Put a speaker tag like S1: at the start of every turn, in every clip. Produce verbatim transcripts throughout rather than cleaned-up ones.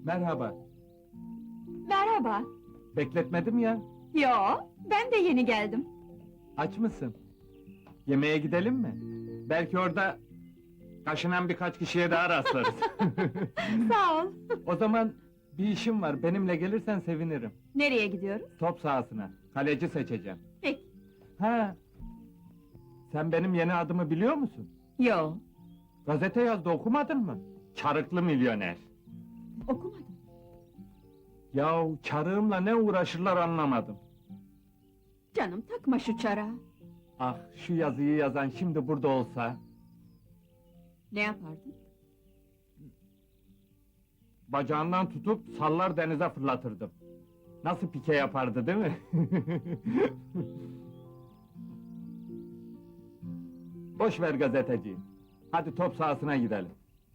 S1: Merhaba.
S2: Merhaba.
S1: Bekletmedim ya.
S2: Yo, ben de yeni geldim.
S1: Aç mısın? Yemeğe gidelim mi? Belki orada kaşınan birkaç kişiye daha rastlarız.
S2: Sağ ol.
S1: O zaman bir işim var. Benimle gelirsen sevinirim.
S2: Nereye gidiyoruz?
S1: Top sahasına. Kaleci seçeceğim.
S2: Peki.
S1: Ha. Sen benim yeni adımı biliyor musun?
S2: Yo,
S1: Gazete yazdı, okumadın mı? Çarıklı milyoner.
S2: okumadım.
S1: Yahu çarığımla ne uğraşırlar anlamadım.
S2: Canım takma şu çara.
S1: Ah, şu yazıyı yazan şimdi burada olsa...
S2: Ne yapardın?
S1: Bacağından tutup sallar denize fırlatırdım. Nasıl pike yapardı değil mi? Boş ver gazeteciyi. Hadi top sahasına gidelim.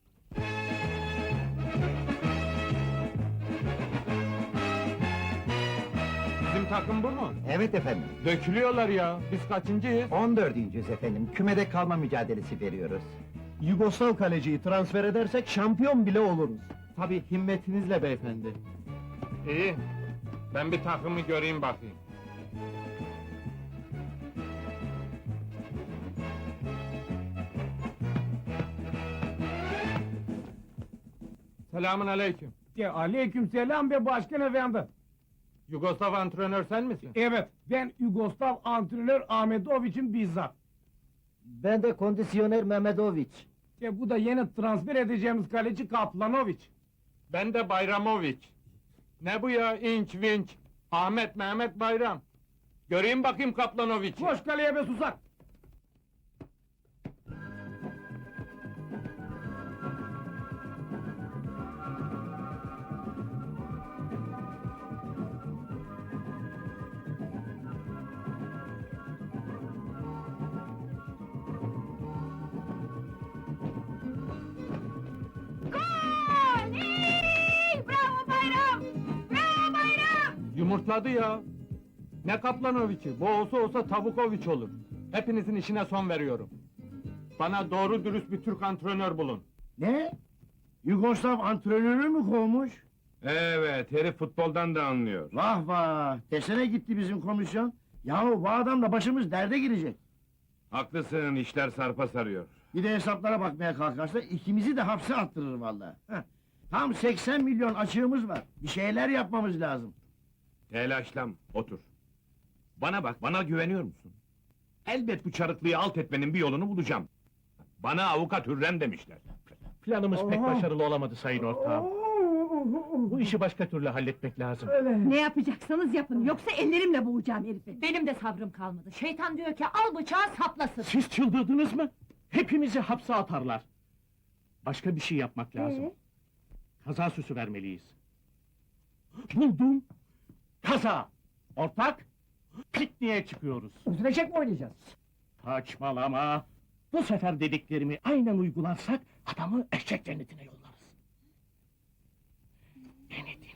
S1: Bizim takım bu mu?
S3: Evet efendim,
S1: Dökülüyorlar ya. Biz kaçıncıyız?
S3: on dördüncüyüz efendim, kümede kalma mücadelesi veriyoruz.
S4: Yugoslav kaleciyi transfer edersek şampiyon bile oluruz. Tabii himmetinizle beyefendi.
S1: İyi. Ben bir takımı göreyim bakayım. Selamun aleyküm.
S4: Aleykümselam be başkan efendi.
S1: Yugoslav antrenör sen misin?
S4: Evet, ben Yugoslav antrenör Ahmetoviç'in bizzat.
S3: Ben de kondisyoner Mehmedoviç.
S4: E, bu da yeni transfer edeceğimiz kaleci Kaplanoviç.
S1: Ben de Bayramoviç. Ne bu ya, inç vinç? Ahmet Mehmet Bayram. Göreyim bakayım Kaplanoviç'i.
S4: Koş kaleye be susak!
S2: Gol! Hey! Bravo Bayram! Bravo Bayram!
S1: Yumurtladı ya. Ne Kaplanoviç'i? Bu olsa olsa Tavukoviç olur. Hepinizin işine son veriyorum. Bana doğru dürüst bir Türk antrenör bulun.
S4: Ne? Yugoslav antrenörü mü kovmuş?
S1: Evet, herif futboldan da anlıyor.
S4: Vah vah! Desene gitti bizim komisyon. Yahu bu adamla başımız derde girecek.
S1: Haklısın, işler sarpa sarıyor.
S4: Bir de hesaplara bakmaya kalkarsa ikimizi de hapse attırır vallahi. Heh. Tam seksen milyon açığımız var. Bir şeyler yapmamız lazım.
S5: Telaşlam, otur. Bana bak, bana güveniyor musun? Elbet bu çarıklıyı alt etmenin bir yolunu bulacağım. Bana avukat Hürrem demişler.
S6: Planımız pek başarılı olamadı sayın ortağım. Bu işi başka türlü halletmek lazım.
S2: Ne yapacaksanız yapın, yoksa ellerimle boğacağım herifi. Benim de sabrım kalmadı. Şeytan diyor ki al bıçağı saplasın.
S6: Siz çıldırdınız mı? Hepimizi hapse atarlar. Başka bir şey yapmak lazım.
S2: Ee?
S6: Kaza süsü vermeliyiz. Buldum! Kaza! Ortak! Pikniğe çıkıyoruz.
S4: Öldürecek mi oynayacağız?
S6: Saçmalama! Bu sefer dediklerimi aynen uygularsak adamı eşek cennetine yollarız. Beni